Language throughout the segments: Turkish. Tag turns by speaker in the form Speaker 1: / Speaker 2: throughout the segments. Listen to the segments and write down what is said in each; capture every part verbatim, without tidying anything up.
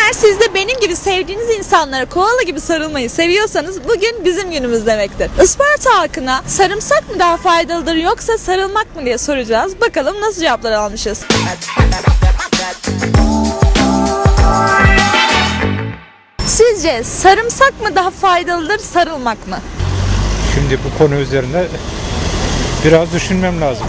Speaker 1: Eğer siz de benim gibi sevdiğiniz insanlara koala gibi sarılmayı seviyorsanız bugün bizim günümüz demektir. Isparta halkına sarımsak mı daha faydalıdır yoksa sarılmak mı diye soracağız. Bakalım nasıl cevaplar almışız. Sizce sarımsak mı daha faydalıdır, sarılmak mı?
Speaker 2: Şimdi bu konu üzerine biraz düşünmem lazım.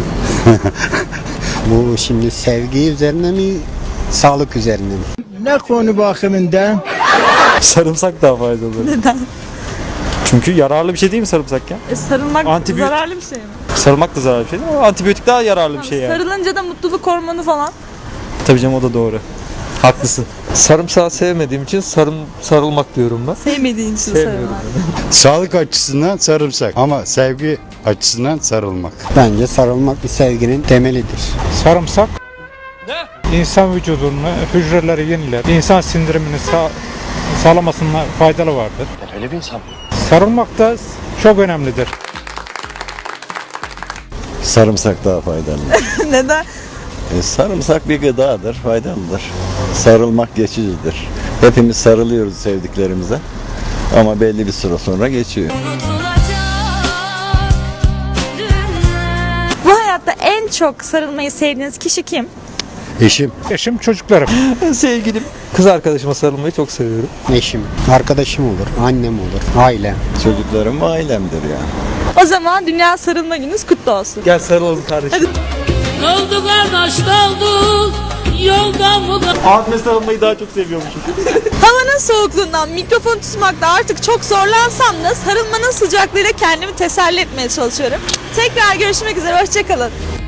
Speaker 3: Bu şimdi sevgi üzerine mi, sağlık üzerine mi?
Speaker 4: Ne konu bakımından?
Speaker 5: Sarımsak daha faydalı.
Speaker 1: Neden?
Speaker 5: Çünkü yararlı bir şey değil mi sarımsak ya?
Speaker 1: E, sarılmak
Speaker 5: Antibiyot-
Speaker 1: zararlı bir şey mi?
Speaker 5: Sarılmak da zararlı bir şey değil mi? Ama antibiyotik daha yararlı bir şey yani.
Speaker 1: Sarılınca da mutluluk hormonu falan.
Speaker 5: Tabii canım, o da doğru. Haklısın.
Speaker 6: Sarımsağı sevmediğim için sarım sarılmak diyorum ben.
Speaker 1: Sevmediğin için
Speaker 6: Sevmiyorum.
Speaker 1: sarılmak.
Speaker 7: Sağlık açısından sarımsak ama sevgi açısından sarılmak.
Speaker 3: Bence sarılmak bir sevginin temelidir.
Speaker 2: Sarımsak insan vücudunu, hücreleri yeniler, insan sindirimini sağ, sağlamasına faydalı vardır.
Speaker 8: Öyle bir insan.
Speaker 2: Sarılmak da çok önemlidir.
Speaker 9: Sarımsak daha faydalı.
Speaker 1: Neden?
Speaker 9: E, sarımsak bir gıdadır, faydalıdır. Sarılmak geçicidir. Hepimiz sarılıyoruz sevdiklerimize ama belli bir süre sonra geçiyor.
Speaker 1: Bu hayatta en çok sarılmayı sevdiğiniz kişi kim?
Speaker 7: Eşim.
Speaker 2: Eşim, çocuklarım.
Speaker 6: Sevgilim, kız arkadaşıma sarılmayı çok seviyorum.
Speaker 3: Eşim, arkadaşım olur, annem olur, ailem.
Speaker 9: Çocuklarım ve ailemdir yani.
Speaker 1: O zaman Dünya Sarılma Gününüz kutlu olsun.
Speaker 5: Gel sarılalım kardeşim.
Speaker 10: Oldu kardeş oldu yoldan mı?
Speaker 5: Abime sarılmayı daha çok seviyormuşum.
Speaker 1: Havanın soğukluğundan mikrofon tutmakta artık çok zorlansam da sarılmanın sıcaklığıyla kendimi teselli etmeye çalışıyorum. Tekrar görüşmek üzere, hoşçakalın.